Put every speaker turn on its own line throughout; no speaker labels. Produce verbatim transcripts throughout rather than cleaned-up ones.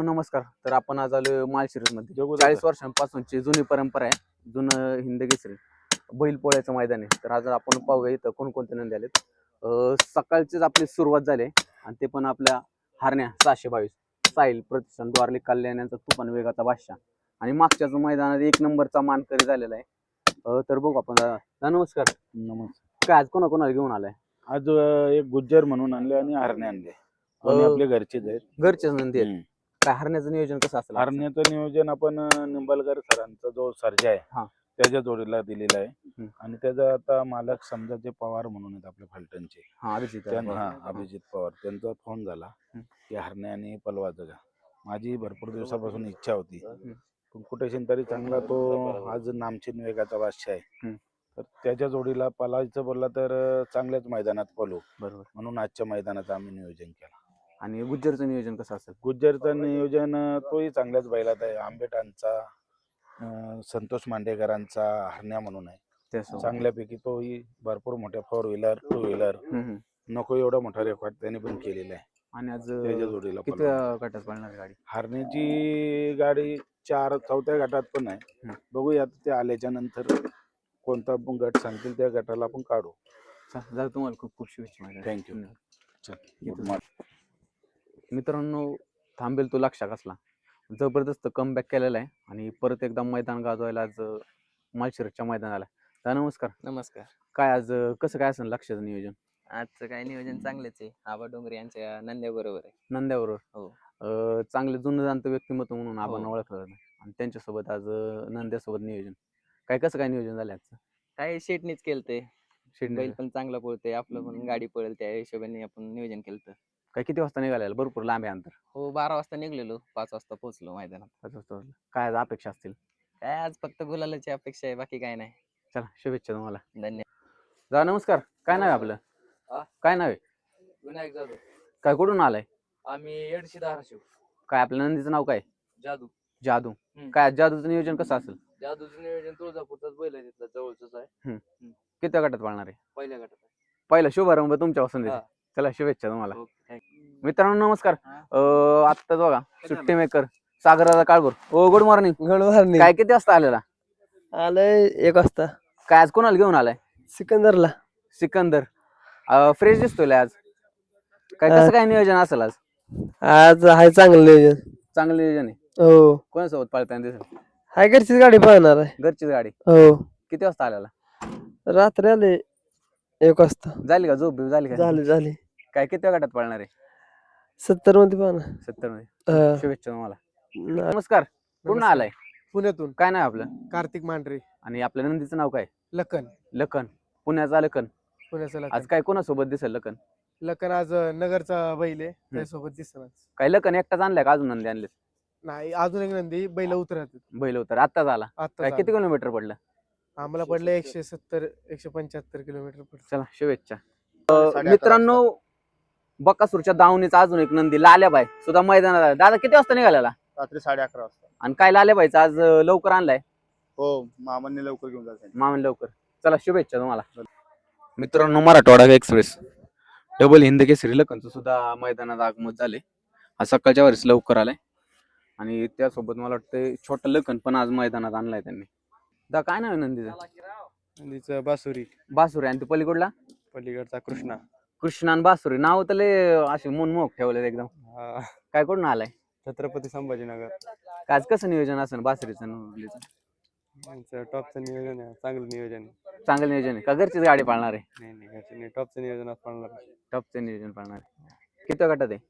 मित्रांनो नमस्कार. तर आपण आज आलो माळशिरस मध्ये चाळीस वर्षांपासूनची जुनी परंपरा आहे. जुनं हिंद केसरी बैल पोळ्याचं मैदान आहे. तर आज आपण पाहूया इथं कोणकोणते नंदी आलेत. सकाळचीच आपली सुरुवात झाली आणि ते पण आपल्या हरण्या सहाशे बावीस साहिल प्रतिष्ठान द्वारली कल्याण यांचा तुफान वेगाचा बादशाह आणि मागच्याच मैदानात एक नंबरचा मानकरी झालेला आहे. तर बघू आपण. नमस्कार.
नमस्कार.
काय आज कोणा कोणाला घेऊन आलाय?
आज एक गुज्जर म्हणून आणले आणि हरणे आणले. दोन्ही आपले घरचेच आहेत.
घरचेच नंदी आहेत. काय हरण्याचं नियोजन कसं असेल?
हरण्याचं नियोजन आपण निंबाळकर सरांचा जो सर्जा आहे त्याच्या जोडीला दिलेला आहे आणि त्याचा आता मालक समजा जे पवार म्हणून आहेत आपल्या फलटणचे,
हा अभिजित
हा अभिजित पवार, त्यांचा फोन झाला की हरणे आणि पलवाचं का. माझी भरपूर दिवसापासून इच्छा होती पण कुठेशी तरी चांगला तो आज नामचीन वेगाचा बादशाह आहे. तर त्याच्या जोडीला पलायचं बोलला तर चांगल्याच मैदानात पळू
बरोबर
म्हणून आजच्या मैदानाचं आम्ही नियोजन केलं.
आणि गुज्जरचं नियोजन कसं असेल?
गुज्जरचं नियोजन तोही चांगल्याच बैलात आहे. आंबेटांचा संतोष मांडेकरांचा हरण्या म्हणून आहे. चांगल्यापैकी तोही भरपूर मोठ्या फोर व्हीलर टू व्हीलर नको एवढा मोठा रेकॉर्ड त्यांनी पण केलेला आहे.
आणि आज
त्याच्या जोडीला
किती गटात पळणार गाडी?
हरण्याची गाडी चार चौथ्या गटात पण आहे. बघूया ते आल्याच्या नंतर कोणता गट सांगतील त्या गटाला आपण काढू.
जर तुम्हाला खूप खूप शुभेच्छा.
थँक्यू.
मित्रांनो थांबेल तो लक्षात असला जबरदस्त कमबॅक केलेला आहे आणि परत एकदा मैदान गाजवायला आज माळशिरसच्या मैदानाला. तर नमस्कार.
नमस्कार.
काय आज कसं काय असेल लक्षाचं नियोजन?
आजचं काय नियोजन चांगलेच आहे. आबा डोंगरे यांच्या नंद्या बरोबर आहे.
नंद्याबरोबर
हो.
चांगले जुनं जाणतं व्यक्तिमत्व म्हणून आपण ओळखलं आणि त्यांच्यासोबत आज नंद्यासोबत नियोजन काय कसं काय नियोजन झालं आजचं?
काय शेटनीच केलंय. बैल पण चांगला पळतोय, आपलं पण गाडी पळेल त्या हिशोबाने आपण नियोजन केलं.
काय किती वाजता निघालेलं? भरपूर लांब आहे अंतर.
हो, बारा वाजता निघलेलो, पाच वाजता पोहोचलो मैदानात.
पाच वाजता. काय आज अपेक्षा असतील?
काय आज फक्त गुलालाची अपेक्षा आहे, बाकी काय नाही.
चला शुभेच्छा तुम्हाला.
धन्यवाद.
जा. नमस्कार. काय नाव आहे आपलं? काय नाव आहे?
विनायक जाधव.
काय कुठून आलाय?
आम्ही एडशी धाराशिव.
काय आपल्या नंदीचं नाव काय?
जादू.
जादू. काय जादूचं नियोजन कसं असेल?
जादूचं नियोजन तुळजापूरचाच बैल आहे, तिथला जवळच आहे.
किती गटात पाळणार आहे?
पहिल्या गटात.
पहिला शुभारंभ तुमच्या पसंत. चला शुभेच्छा तुम्हाला. मित्रांनो नमस्कार. आत्ताच बघा सुट्टी मेकर सागराचा Kalbhor. Oh good morning.
Good morning.
काय किती वाजता आलेला?
आलंय एक वाजता.
काय आज कोणाला घेऊन आलाय?
सिकंदरला.
सिकंदर फ्रेश दिसतोय आज. काय कसं काय नियोजन असेल आज?
आज आहे चांगलं नियोजन.
चांगलं नियोजन आहे.
हो.
कोणासोबत पाळताना दिसेल?
हाय घरचीच गाडी पाहणार आहे.
घरचीच गाडी.
हो.
किती वाजता आलेला?
रात्री आले एक वाजता.
झाली का झोप झाली का?
झाली झाली.
काय किती गटात पाळणार आहे?
सत्तर मध्ये पाहणार.
सत्तर मध्ये. शुभेच्छा तुम्हाला. नमस्कार. कुठून आलाय?
पुण्यातून.
काय नाव आपलं?
कार्तिक मांढरे.
आणि आपल्या नंदीचं नाव काय?
लखन.
लखन. पुण्याचा लखन.
पुण्याचा लखन.
आज काय कोणासोबत दिसेल लखन?
लखन आज नगरचा बैल आहे, त्यासोबत दिसणार.
काय लखन एकटाच आणलाय का अजून नंदी आणले?
नाही, अजून एक नंदी बैल उतरत.
बैल उतर आत्ताच आला. काय किती किलोमीटर पडलं?
आम्हाला पडलं एकशे सत्तर एकशे पंच्याहत्तर किलोमीटर पडलं.
चला शुभेच्छा. मित्रांनो बकासूरच्या दावणीचा अजून एक नंदी लाल्याबाई सुद्धा मैदानात आला. दादा किती वाजता निघालेला?
रात्री साडे अकरा वाजता.
आणि काय लाल्याबाईचा आज लवकर आणलाय?
हो, मामांनी लवकर घेऊन जायचं.
मामन लवकर. चला शुभेच्छा तुम्हाला. मित्रांनो मराठवाडा एक्सप्रेस डबल हिंद केसरी लखनचं सुद्धा मैदानात आगमन झाले. आज सकाळच्या वेळेस लवकर आलाय आणि त्यासोबत मला वाटतं छोटा लखन पण आज मैदानात आणलाय त्यांनी. दा काय नाव आहे नंदीचं?
नंदीचं बासुरी.
बासुरी. आणि ते पलीकडला?
पलीकडचा कृष्णा.
कृष्णा आणि बासुरी. नाव तर लय असे मनमोहक ठेवले एकदम. काय कुठून आलाय?
छत्रपती संभाजीनगर.
आज कसं नियोजन असेल बासुरीचं?
टॉपचं नियोजन आहे, चांगलं नियोजन आहे.
चांगलं नियोजन आहे का? घरचीच गाडी पाळणार आहे?
नाही नाही, टॉपचं नियोजन पाळणार.
टॉपचं नियोजन पाळणार आहे. किती गटात आहे?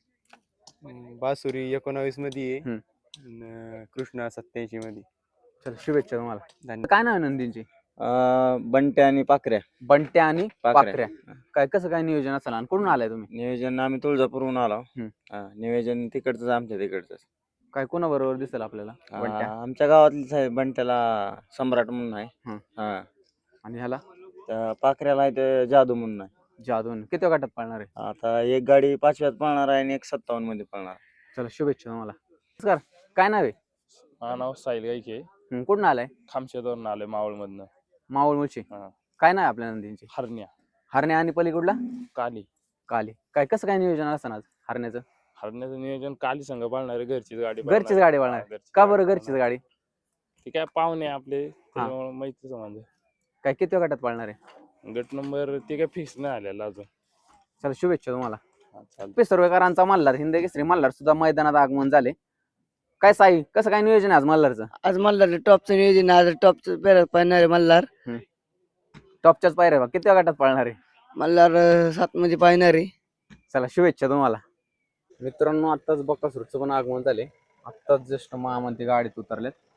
बासुरी एकोणावीस मध्ये आहे, कृष्णा सत्याऐंशी मध्ये.
चल शुभेच्छा तुम्हाला. काय नाव आहे नंदींची?
बंट्या आणि पाखऱ्या.
बंट्या आणि पाखऱ्या. काय कसं काय नियोजन असेल आणि कुठून आलाय तुम्ही?
नियोजन आम्ही तुळजापूरहून आलो. नियोजन तिकडच आमच्या तिकडच.
काय कोणा बरोबर दिसेल आपल्याला?
आमच्या गावातली साहेब बंट्याला सम्राट म्हणून आहे.
आणि ह्याला
पाखऱ्याला आहे ते जादू म्हणून आहे.
जादू. किती गटात पाळणार आहे?
आता एक गाडी पाचव्यात पळणार आहे आणि एक सत्तावन्न मध्ये पळणार.
चला शुभेच्छा तुम्हाला. नमस्कार. काय नाव आहे?
हा नाव साहिल गायके.
कुठून आलाय?
खामशेतवरून आलोय, मावळ मधनं.
मावळ मुळशी. काय नाव आहे आपल्या नंदींची?
हरण्या.
हरण्या. आणि पलीकडला?
काली.
काली. काय कसं काय नियोजन असतं आज हरण्याचं?
हरण्याचं नियोजन काली संघ पाळणार आहे, घरचीच गाडी
घरचीच
पाळणार
गाडी
आहे.
पाळणार.
हा, घरचीच
का
गाडी
बरं घरचीच
पाळणार.
गाडी?
ती काय पाहुणे आपले त्याच्यामुळे माहितीच म्हणजे
काय किती गटात पाळणार आहे?
गट नंबर ती काय फिक्स नाही आलेला अजून.
चला शुभेच्छा तुम्हाला.
हा, चालतंय.
पिसर्वेकरांचा मल्हार हिंद केसरी मल्हार सुद्धा मैदानात आगमन झाले. काय साई कसं काय नियोजन आहे आज मल्हारचं?
आज मल्हार टॉपचं नियोजन आहे. आज टॉपचं पेर पाहणार मल्हार
टॉपच्याच पायऱ्या किती गटात पाळणार आहे?
मल्हार सात मध्ये पाहणार आहे.
चला शुभेच्छा तुम्हाला. मित्रांनो आत्ताच बकासूरचं पण आगमन झाले. आत्ताच जस्ट महामंत्री गाडीत उतरलेत.